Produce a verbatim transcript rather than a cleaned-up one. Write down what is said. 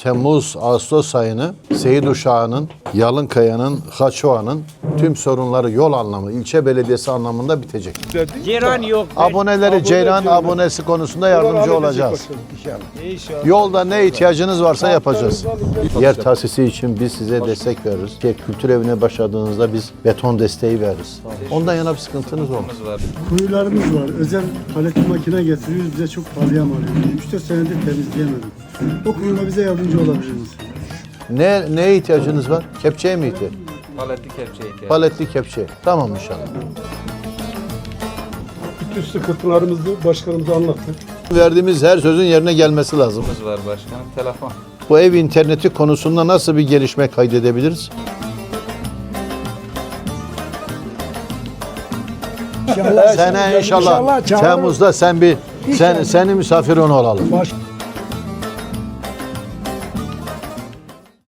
Temmuz, Ağustos ayını Seyit Uşağı'nın, Yalınkaya'nın, Haçoğa'nın tüm sorunları yol anlamı, ilçe belediyesi anlamında bitecek. Ceyran yok. Aboneleri Abone Ceyran Ceyran. abonesi konusunda yardımcı olacağız. İnşallah. Yolda ne ihtiyacınız varsa yapacağız. Yer tahsisi için biz size destek veririz. Ki kültür evine başladığınızda biz beton desteği veririz. Ondan yana bir sıkıntınız olmaz. Kuyularımız var. Özel paletli makine getiriyoruz. Bize çok pahalıya mal ediyor. üç dört senedir temizleyemedik. O kuyuda bize yardımcı olabilirsiniz. Ne neye ihtiyacınız var? Kepçeye mi ihtiyaç? Paletli kepçe ihtiyacı. Paletli kepçe. Tamam inşallah. Bütün sıkıntılarımızı başkanımıza anlattık. Verdiğimiz her sözün yerine gelmesi lazım. var başkanım. Telefon. Bu ev interneti konusunda nasıl bir gelişme kaydedebiliriz? İnşallah, Sene inşallah, çağırın. Temmuz'da sen bir sen seni misafirin olalım. Baş-